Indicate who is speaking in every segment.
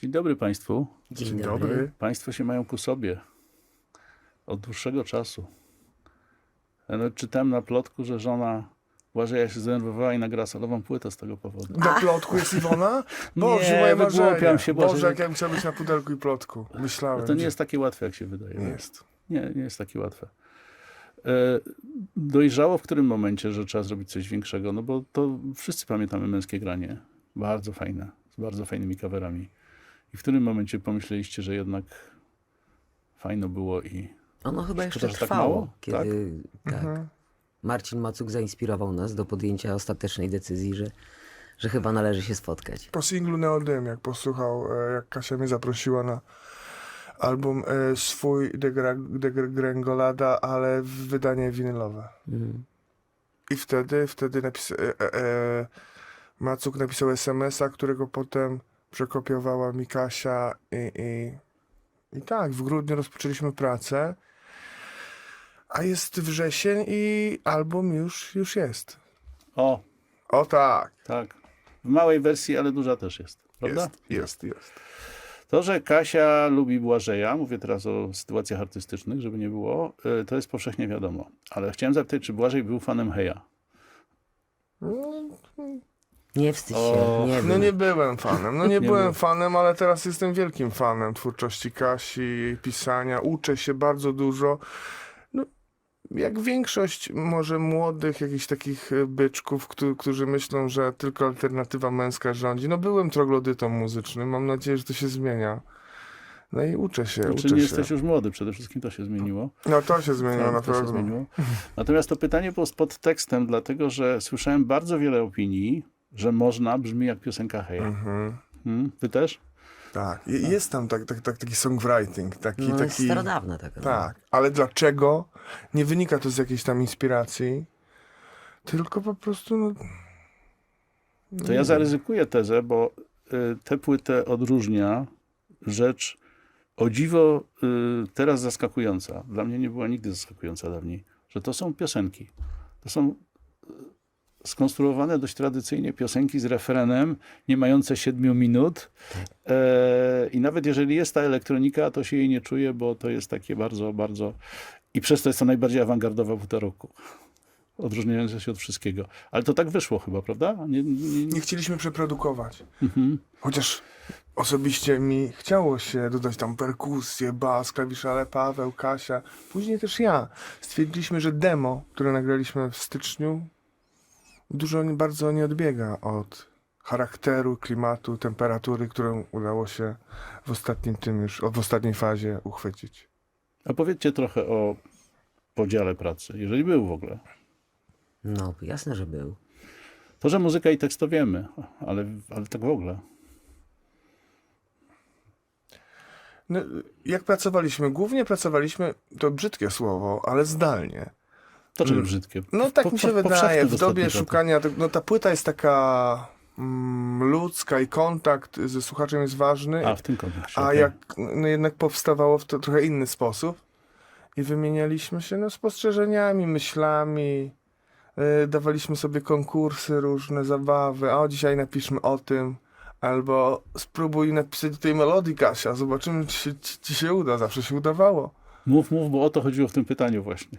Speaker 1: Dzień dobry Państwu.
Speaker 2: Dzień dobry.
Speaker 1: Państwo się mają ku sobie od dłuższego czasu. Ja nawet czytałem na plotku, że żona Błażeja się zdenerwowała i nagrała solową płytę z tego powodu.
Speaker 2: Na plotku jest Iwona? Boże,
Speaker 1: Nie,
Speaker 2: moje
Speaker 1: wygłupiam
Speaker 2: marzenie.
Speaker 1: się,
Speaker 2: Boże, jak ja bym chciał być na pudelku i plotku. Myślałem.
Speaker 1: No to nie jest takie łatwe, jak się wydaje.
Speaker 2: Nie jest.
Speaker 1: Nie jest takie łatwe. Dojrzało w którym momencie, że trzeba zrobić coś większego, no bo to wszyscy pamiętamy Męskie Granie. Bardzo fajne, z bardzo fajnymi coverami. I w którym momencie pomyśleliście, że jednak fajno było i
Speaker 3: Ono chyba jeszcze
Speaker 1: że tak
Speaker 3: trwało,
Speaker 1: mało?
Speaker 3: kiedy tak.
Speaker 2: Mhm.
Speaker 3: Marcin Macuk zainspirował nas do podjęcia ostatecznej decyzji, że chyba należy się spotkać.
Speaker 2: Po singlu Neodym, jak posłuchał, jak Kasia mnie zaprosiła na album swój Degrengolada, ale w wydanie winylowe.
Speaker 3: Mhm.
Speaker 2: I wtedy Macuk napisał SMS-a, którego potem przekopiowała mi Kasia i tak, w grudniu rozpoczęliśmy pracę, a jest wrzesień i album już jest.
Speaker 1: o,
Speaker 2: O tak,
Speaker 1: tak, w małej wersji, ale duża też jest, prawda?
Speaker 2: jest.
Speaker 1: To, że Kasia lubi Błażeja, mówię teraz o sytuacjach artystycznych, żeby nie było, to jest powszechnie wiadomo. Ale chciałem zapytać, czy Błażej był fanem Heja?
Speaker 3: Nie wstydź
Speaker 1: O,
Speaker 3: się, nie
Speaker 2: No
Speaker 3: wiem.
Speaker 2: nie byłem fanem,
Speaker 1: Nie
Speaker 2: byłem
Speaker 1: byłem.
Speaker 2: fanem, ale teraz jestem wielkim fanem twórczości Kasi, jej pisania, uczę się bardzo dużo. No, jak większość może młodych jakichś takich byczków, którzy myślą, że tylko alternatywa męska rządzi. No byłem troglodytą muzycznym, mam nadzieję, że to się zmienia. No i uczę się.
Speaker 1: Czy nie jesteś już młody? Przede wszystkim to się zmieniło.
Speaker 2: No to się zmieniło na
Speaker 1: To się
Speaker 2: pewno.
Speaker 1: zmieniło. Natomiast to pytanie było z podtekstem, dlatego że słyszałem bardzo wiele opinii, że można brzmi jak piosenka Heja.
Speaker 2: Mhm.
Speaker 1: Ty też?
Speaker 2: Tak, jest tam taki songwriting, taki...
Speaker 3: No, jest starodawna taka.
Speaker 2: Tak, ale dlaczego? Nie wynika to z jakiejś tam inspiracji, tylko po prostu... No,
Speaker 1: To ja zaryzykuję tezę, bo tę płytę odróżnia rzecz o dziwo teraz zaskakująca. Dla mnie nie była nigdy zaskakująca dawniej, że to są piosenki. To są skonstruowane dość tradycyjnie piosenki z refrenem, nie mające 7 minut. I nawet jeżeli jest ta elektronika, to się jej nie czuje, bo to jest takie bardzo, bardzo... I przez to jest to najbardziej awangardowa płyta roku. Odróżniająca się od wszystkiego. Ale to tak wyszło chyba, prawda?
Speaker 2: Nie chcieliśmy przeprodukować.
Speaker 1: Mhm.
Speaker 2: Chociaż osobiście mi chciało się dodać tam perkusję, bas, klawisze, ale Paweł, Kasia, później też ja. Stwierdziliśmy, że demo, które nagraliśmy w styczniu, bardzo nie odbiega od charakteru, klimatu, temperatury, którą udało się w ostatniej fazie uchwycić.
Speaker 1: A powiedzcie trochę o podziale pracy, jeżeli był w ogóle.
Speaker 3: No, jasne, że był.
Speaker 1: To, że muzyka i tekst to wiemy, ale tak w ogóle.
Speaker 2: No, jak pracowaliśmy? Głównie pracowaliśmy, to brzydkie słowo, ale zdalnie.
Speaker 1: To czyli brzydkie.
Speaker 2: No tak mi się wydaje,
Speaker 1: powszechne
Speaker 2: w dobie
Speaker 1: ostatnich
Speaker 2: szukania, no ta płyta jest taka ludzka i kontakt ze słuchaczem jest ważny,
Speaker 1: latach. A, w tym kontekście.
Speaker 2: a
Speaker 1: okej.
Speaker 2: jak no jednak powstawało w to trochę inny sposób i wymienialiśmy się spostrzeżeniami, myślami, dawaliśmy sobie konkursy, różne zabawy, a dzisiaj napiszmy o tym, albo spróbuj napisać do tej melodii, Kasia, zobaczymy, czy ci się uda, zawsze się udawało.
Speaker 1: Mów, bo o to chodziło w tym pytaniu właśnie.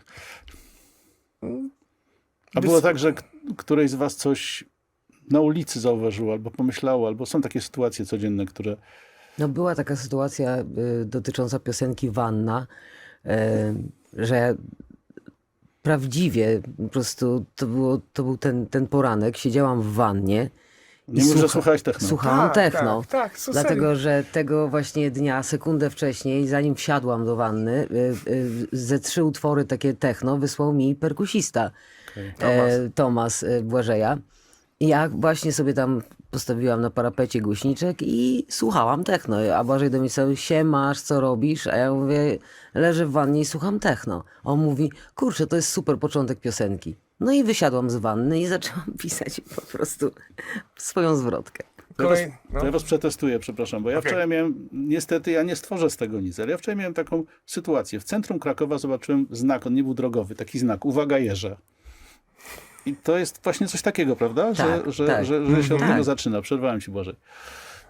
Speaker 1: A było tak, że któreś z was coś na ulicy zauważyło, albo pomyślało, albo są takie sytuacje codzienne, które...
Speaker 3: No była taka sytuacja dotycząca piosenki Wanna, że prawdziwie po prostu to był ten poranek, siedziałam w wannie.
Speaker 1: Nie mów, że słuchałeś techno.
Speaker 3: Słuchałam techno.
Speaker 2: Tak, co
Speaker 3: Dlatego, że tego właśnie dnia, sekundę wcześniej, zanim wsiadłam do wanny, ze 3 utwory takie techno wysłał mi perkusista Tomasz Błażeja. I ja właśnie sobie tam postawiłam na parapecie głośniczek i słuchałam techno. A Błażej do mnie cały, siemasz, co robisz? A ja mówię, leżę w wannie i słucham techno. A on mówi, kurczę, to jest super początek piosenki. No i wysiadłam z wanny i zaczęłam pisać po prostu swoją zwrotkę.
Speaker 1: To ja was przetestuję, przepraszam, bo ja
Speaker 2: Okej.
Speaker 1: wczoraj miałem, niestety ja nie stworzę z tego nic, ale ja wczoraj miałem taką sytuację. W centrum Krakowa zobaczyłem znak, on nie był drogowy, taki znak, uwaga jeże. I to jest właśnie coś takiego, prawda?
Speaker 3: Tak,
Speaker 1: że
Speaker 3: tak.
Speaker 1: się od
Speaker 3: Tak.
Speaker 1: tego zaczyna. Przerwałem ci, Błażej.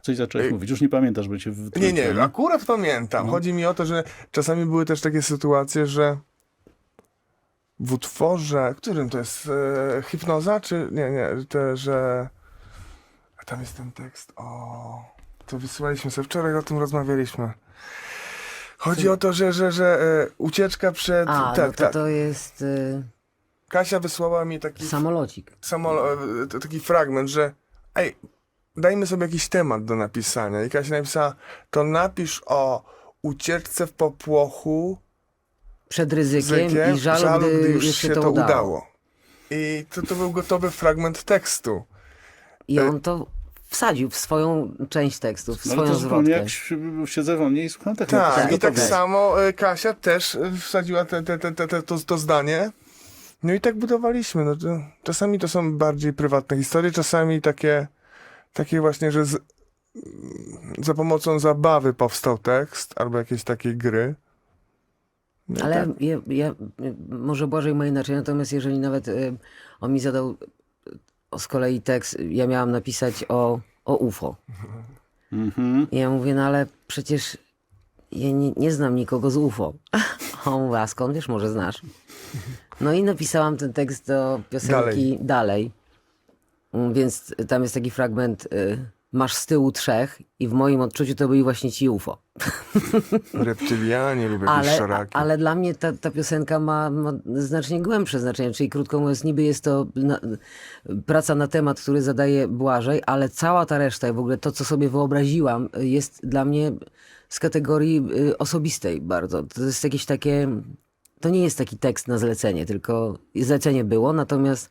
Speaker 1: Coś zacząłeś mówić, już nie pamiętasz, bo cię
Speaker 2: Nie,
Speaker 1: wtrąciłem,
Speaker 2: nie, akurat pamiętam. Chodzi mi o to, że czasami były też takie sytuacje, że w utworze, którym to jest, hipnoza, czy nie, że a tam jest ten tekst, to wysyłaliśmy sobie, wczoraj o tym rozmawialiśmy. Chodzi o to, że ucieczka przed,
Speaker 3: to jest
Speaker 2: Kasia wysłała mi taki
Speaker 3: samolocik.
Speaker 2: taki fragment, że ej, dajmy sobie jakiś temat do napisania. I Kasia napisała, to napisz o ucieczce w popłochu
Speaker 3: Przed ryzykiem i żalu, gdy już się to udało.
Speaker 2: I to był gotowy fragment tekstu.
Speaker 3: I on to wsadził w swoją część tekstu, w
Speaker 1: No, ale
Speaker 3: swoją
Speaker 1: to zupełnie
Speaker 3: zwrotkę.
Speaker 1: jak siedzę wolniej i słucham tak.
Speaker 2: Tak, i tak
Speaker 3: gotowe.
Speaker 2: samo Kasia też wsadziła to zdanie. No i tak budowaliśmy. No, czasami to są bardziej prywatne historie, czasami takie właśnie, że za pomocą zabawy powstał tekst albo jakiejś takiej gry. No i
Speaker 3: Ale
Speaker 2: tak.
Speaker 3: ja może Błażej ma inaczej, natomiast jeżeli nawet on mi zadał z kolei tekst, ja miałam napisać o UFO.
Speaker 1: Mhm.
Speaker 3: I ja mówię, no ale przecież ja nie znam nikogo z UFO. A on mówi, a skąd wiesz, może znasz. No i napisałam ten tekst do piosenki Dalej. Więc tam jest taki fragment, masz z tyłu 3 i w moim odczuciu to byli właśnie ci UFO.
Speaker 2: Reptylianie lub jakieś szaraki.
Speaker 3: Ale dla mnie ta piosenka ma znacznie głębsze znaczenie, czyli krótko mówiąc, niby jest to praca na temat, który zadaje Błażej, ale cała ta reszta i w ogóle to, co sobie wyobraziłam, jest dla mnie z kategorii osobistej bardzo. To jest jakieś takie, to nie jest taki tekst na zlecenie, tylko zlecenie było, natomiast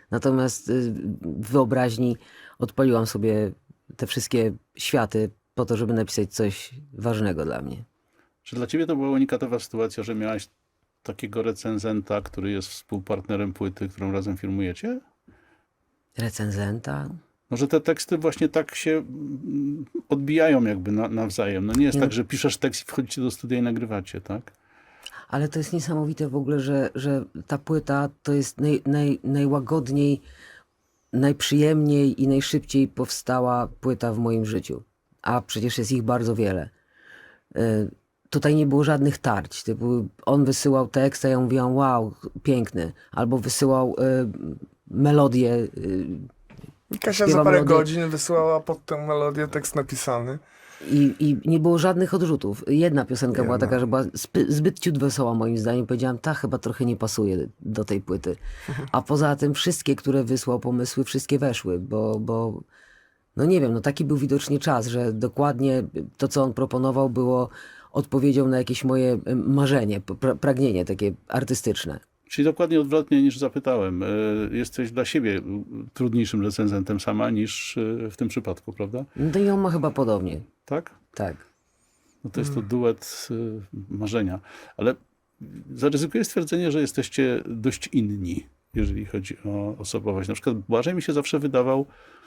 Speaker 3: w wyobraźni odpaliłam sobie te wszystkie światy po to, żeby napisać coś ważnego dla mnie.
Speaker 1: Czy dla ciebie to była unikatowa sytuacja, że miałaś takiego recenzenta, który jest współpartnerem płyty, którą razem firmujecie?
Speaker 3: Recenzenta?
Speaker 1: No, że te teksty właśnie tak się odbijają jakby nawzajem. No nie jest tak, że piszesz tekst i wchodzicie do studia i nagrywacie, tak?
Speaker 3: Ale to jest niesamowite w ogóle, że ta płyta to jest najłagodniej, najprzyjemniej i najszybciej powstała płyta w moim życiu. A przecież jest ich bardzo wiele. Tutaj nie było żadnych tarć. Typu on wysyłał tekst, a ja mówiłam, wow, piękny. Albo wysyłał melodię.
Speaker 2: Kasia za
Speaker 3: śpiewa
Speaker 2: parę
Speaker 3: melodię.
Speaker 2: godzin wysłała pod tę melodię tekst napisany.
Speaker 3: I nie było żadnych odrzutów. Jedna piosenka była taka, że była zbyt ciut wesoła moim zdaniem. Powiedziałam, ta chyba trochę nie pasuje do tej płyty. A poza tym wszystkie, które wysłał pomysły, wszystkie weszły, bo no nie wiem, no taki był widocznie czas, że dokładnie to, co on proponował, było odpowiedzią na jakieś moje marzenie, pragnienie takie artystyczne.
Speaker 1: Czyli dokładnie odwrotnie niż zapytałem. Jesteś dla siebie trudniejszym recenzentem sama niż w tym przypadku, prawda?
Speaker 3: No i on ma chyba podobnie.
Speaker 1: Tak?
Speaker 3: Tak.
Speaker 1: No to jest to duet marzenia. Ale zaryzykuję stwierdzenie, że jesteście dość inni, jeżeli chodzi o osobowość. Na przykład Błażej mi się zawsze wydawał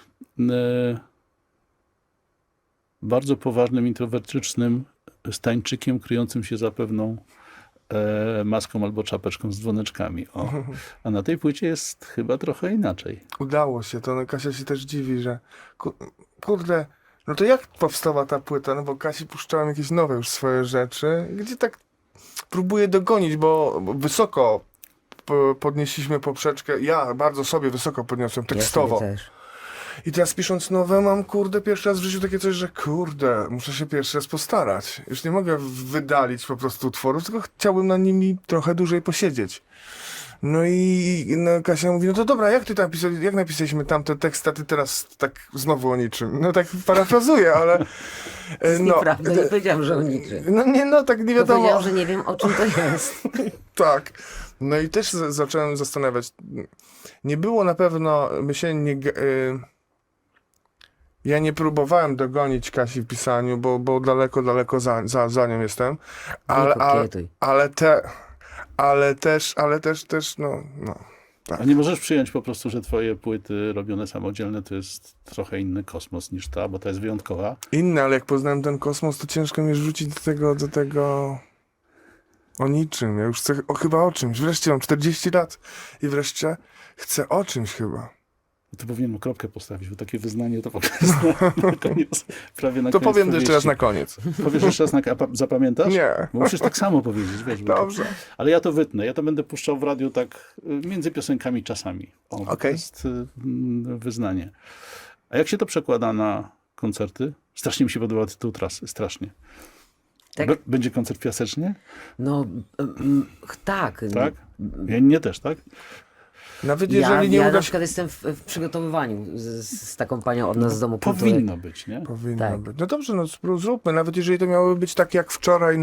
Speaker 1: bardzo poważnym, introwertycznym stańczykiem kryjącym się za pewną maską albo czapeczką z dzwoneczkami. O. A na tej płycie jest chyba trochę inaczej.
Speaker 2: Udało się to, no Kasia się też dziwi, że kurde, no to jak powstała ta płyta? No bo Kasi puszczałem jakieś nowe już swoje rzeczy, gdzie tak próbuję dogonić, bo wysoko podnieśliśmy poprzeczkę. Ja bardzo sobie wysoko podniosłem tekstowo.
Speaker 3: Ja sobie też.
Speaker 2: I teraz pisząc nowe mam, kurde, pierwszy raz w życiu takie coś, że kurde, muszę się pierwszy raz postarać. Już nie mogę wydalić po prostu utworów, tylko chciałbym na nimi trochę dłużej posiedzieć. No i no, Kasia mówi, no to dobra, jak napisaliśmy tamte teksty, a ty teraz tak znowu o niczym. No tak parafrazuję, ale...
Speaker 3: To jest nieprawda, nie powiedziałam, że o niczym.
Speaker 2: No nie, no tak nie
Speaker 3: To
Speaker 2: wiadomo.
Speaker 3: powiedziałam, że nie wiem, o czym to jest.
Speaker 2: Tak. No i też zacząłem zastanawiać. Nie było na pewno, ja nie próbowałem dogonić Kasi w pisaniu, bo daleko za nią jestem. Ale też, no. Tak.
Speaker 1: A nie możesz przyjąć po prostu, że twoje płyty robione samodzielne to jest trochę inny kosmos niż ta, bo ta jest wyjątkowa.
Speaker 2: Inne, ale jak poznałem ten kosmos, to ciężko mi rzucić do tego o niczym. Ja już chcę chyba o czymś. Wreszcie mam 40 lat i wreszcie chcę o czymś chyba.
Speaker 1: Tu powinienem kropkę postawić, bo takie wyznanie to w ogóle jest na koniec, prawie na
Speaker 2: To
Speaker 1: koniec
Speaker 2: powiem to jeszcze raz
Speaker 1: powieści.
Speaker 2: na koniec.
Speaker 1: Powiesz jeszcze raz, zapamiętasz?
Speaker 2: Nie.
Speaker 1: Bo musisz tak samo powiedzieć, wiesz. bo
Speaker 2: Dobrze.
Speaker 1: Ale ja to wytnę. Ja to będę puszczał w radiu tak między piosenkami czasami. O, To
Speaker 2: Okej.
Speaker 1: jest wyznanie. A jak się to przekłada na koncerty? Strasznie mi się podoba tytuł trasy. Strasznie.
Speaker 3: Tak?
Speaker 1: Będzie koncert piasecznie?
Speaker 3: No, tak.
Speaker 1: Tak? Ja nie też, tak?
Speaker 2: Nawet
Speaker 3: Ja,
Speaker 2: jeżeli nie
Speaker 3: ja
Speaker 2: uda
Speaker 3: na
Speaker 2: się...
Speaker 3: przykład jestem w przygotowywaniu z taką panią od nas z Domu Kultury.
Speaker 1: Powinno być, nie?
Speaker 2: Powinno
Speaker 3: Tak.
Speaker 2: być. No dobrze, no zróbmy. Nawet jeżeli to miałoby być tak jak wczoraj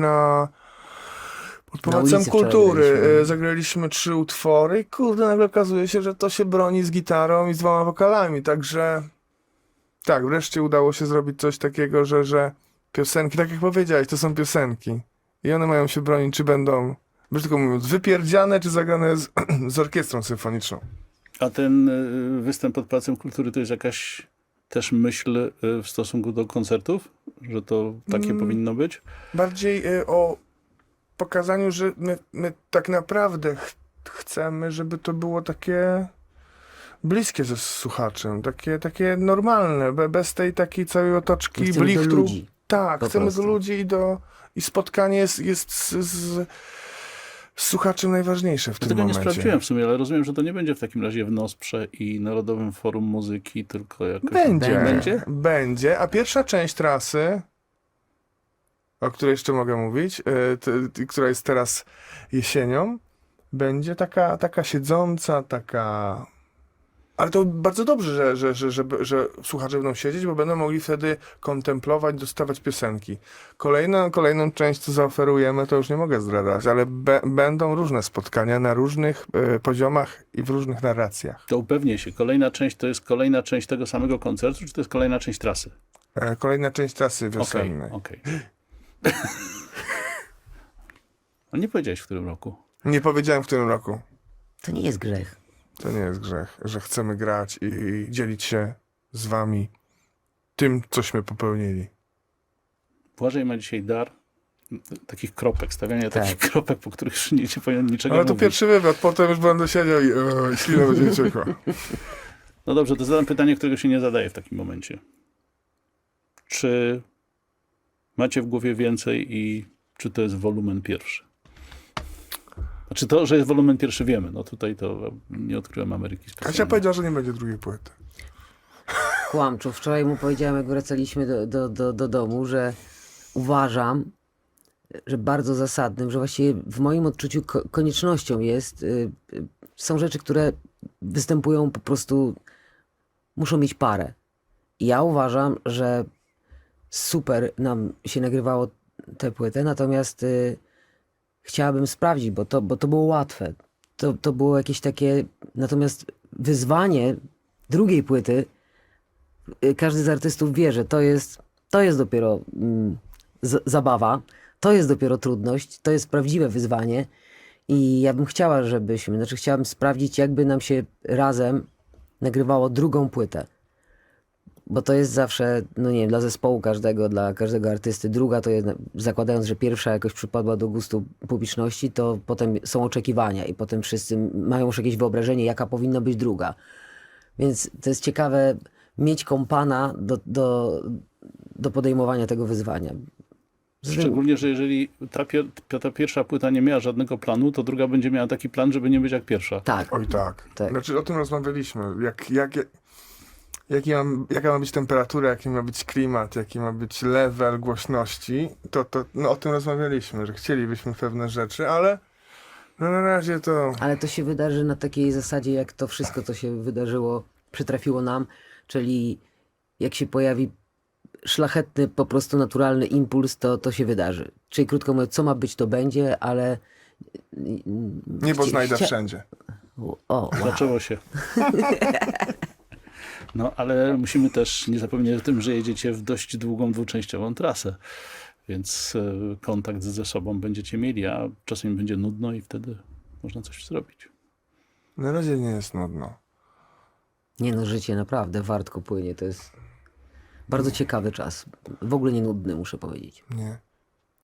Speaker 2: pod Pałacem
Speaker 3: ulicy wczoraj
Speaker 2: Kultury.
Speaker 3: graliśmy.
Speaker 2: Zagraliśmy 3 utwory i kurde, nagle okazuje się, że to się broni z gitarą i z 2 wokalami. Także tak, wreszcie udało się zrobić coś takiego, że piosenki, tak jak powiedziałeś, to są piosenki. I one mają się bronić, czy będą, brzydko mówiąc, wypierdziane, czy zagrane z orkiestrą symfoniczną.
Speaker 1: A ten występ pod Pałacem Kultury to jest jakaś też myśl w stosunku do koncertów? Że to takie powinno być?
Speaker 2: Bardziej o pokazaniu, że my tak naprawdę chcemy, żeby to było takie bliskie ze słuchaczem, takie normalne, bez tej takiej całej otoczki
Speaker 3: Chcemy do
Speaker 2: blichtru.
Speaker 3: ludzi.
Speaker 2: Tak,
Speaker 3: po
Speaker 2: chcemy
Speaker 3: prostu.
Speaker 2: do ludzi i spotkanie jest z słuchaczem najważniejsze w
Speaker 1: Ja
Speaker 2: tym
Speaker 1: tego nie
Speaker 2: momencie.
Speaker 1: sprawdziłem w sumie, ale rozumiem, że to nie będzie w takim razie w NOSPRZE i Narodowym Forum Muzyki, tylko jakoś...
Speaker 2: Będzie,
Speaker 1: Będzie?
Speaker 2: a pierwsza część trasy, o której jeszcze mogę mówić, która jest teraz jesienią, będzie taka siedząca, taka... Ale to bardzo dobrze, że słuchacze będą siedzieć, bo będą mogli wtedy kontemplować, dostawać piosenki. Kolejną część, co zaoferujemy, to już nie mogę zdradzać, ale będą różne spotkania na różnych poziomach i w różnych narracjach.
Speaker 1: To upewnię się. Kolejna część to jest kolejna część tego samego koncertu, czy to jest kolejna część trasy?
Speaker 2: Kolejna część trasy
Speaker 1: Okej,
Speaker 2: wiosennej.
Speaker 1: okej. A nie powiedziałeś w którym roku?
Speaker 2: Nie powiedziałem w którym roku.
Speaker 3: To nie jest grzech.
Speaker 2: To nie jest grzech, że chcemy grać i dzielić się z wami tym, cośmy popełnili.
Speaker 1: Błażej ma dzisiaj dar takich kropek, stawiania
Speaker 3: Tak.
Speaker 1: takich kropek, po których już nie powinien niczego
Speaker 2: Ale to
Speaker 1: mówić.
Speaker 2: pierwszy wywiad, potem już będę siedział i ślina będzie mi ciekła.
Speaker 1: No dobrze, to zadam pytanie, którego się nie zadaje w takim momencie. Czy macie w głowie więcej i czy to jest wolumen pierwszy? Znaczy to, że jest wolumen pierwszy wiemy. No tutaj to nie odkryłem Ameryki
Speaker 2: Kasia
Speaker 1: specjalnie.
Speaker 2: powiedziała, że nie będzie drugiej płyty.
Speaker 3: Kłamczu. Wczoraj mu powiedziałem, jak wracaliśmy do domu, że uważam, że bardzo zasadnym, że właściwie w moim odczuciu koniecznością jest, są rzeczy, które występują po prostu, muszą mieć parę. I ja uważam, że super nam się nagrywało tę płytę, natomiast chciałabym sprawdzić, bo to było łatwe. To było jakieś takie, natomiast wyzwanie drugiej płyty, każdy z artystów wie, że to jest dopiero zabawa, to jest dopiero trudność, to jest prawdziwe wyzwanie i ja bym chciała, chciałabym sprawdzić, jakby nam się razem nagrywało drugą płytę. Bo to jest zawsze, no nie wiem, dla zespołu każdego, dla każdego artysty. Druga to jest, zakładając, że pierwsza jakoś przypadła do gustu publiczności, to potem są oczekiwania i potem wszyscy mają już jakieś wyobrażenie, jaka powinna być druga. Więc to jest ciekawe mieć kompana do podejmowania tego wyzwania.
Speaker 1: Szczególnie, że jeżeli ta pierwsza płyta nie miała żadnego planu, to druga będzie miała taki plan, żeby nie być jak pierwsza.
Speaker 3: Tak.
Speaker 2: Oj tak.
Speaker 3: Tak.
Speaker 2: Znaczy o tym rozmawialiśmy. Jaka ma być temperatura, jaki ma być klimat, jaki ma być level głośności, no, o tym rozmawialiśmy, że chcielibyśmy pewne rzeczy, ale no, na razie to...
Speaker 3: Ale to się wydarzy na takiej zasadzie, jak to wszystko, co się wydarzyło, przytrafiło nam, czyli jak się pojawi szlachetny, po prostu naturalny impuls, to się wydarzy. Czyli krótko mówiąc, co ma być, to będzie, ale...
Speaker 2: Niebo znajdę wszędzie.
Speaker 3: O, wow.
Speaker 1: Zaczęło się. No, ale musimy też nie zapomnieć o tym, że jedziecie w dość długą, dwuczęściową trasę. Więc kontakt ze sobą będziecie mieli, a czasem będzie nudno i wtedy można coś zrobić.
Speaker 2: Na razie nie jest nudno.
Speaker 3: Nie no, życie naprawdę wartko płynie. To jest bardzo ciekawy czas. W ogóle nie nudny, muszę powiedzieć.
Speaker 2: Nie.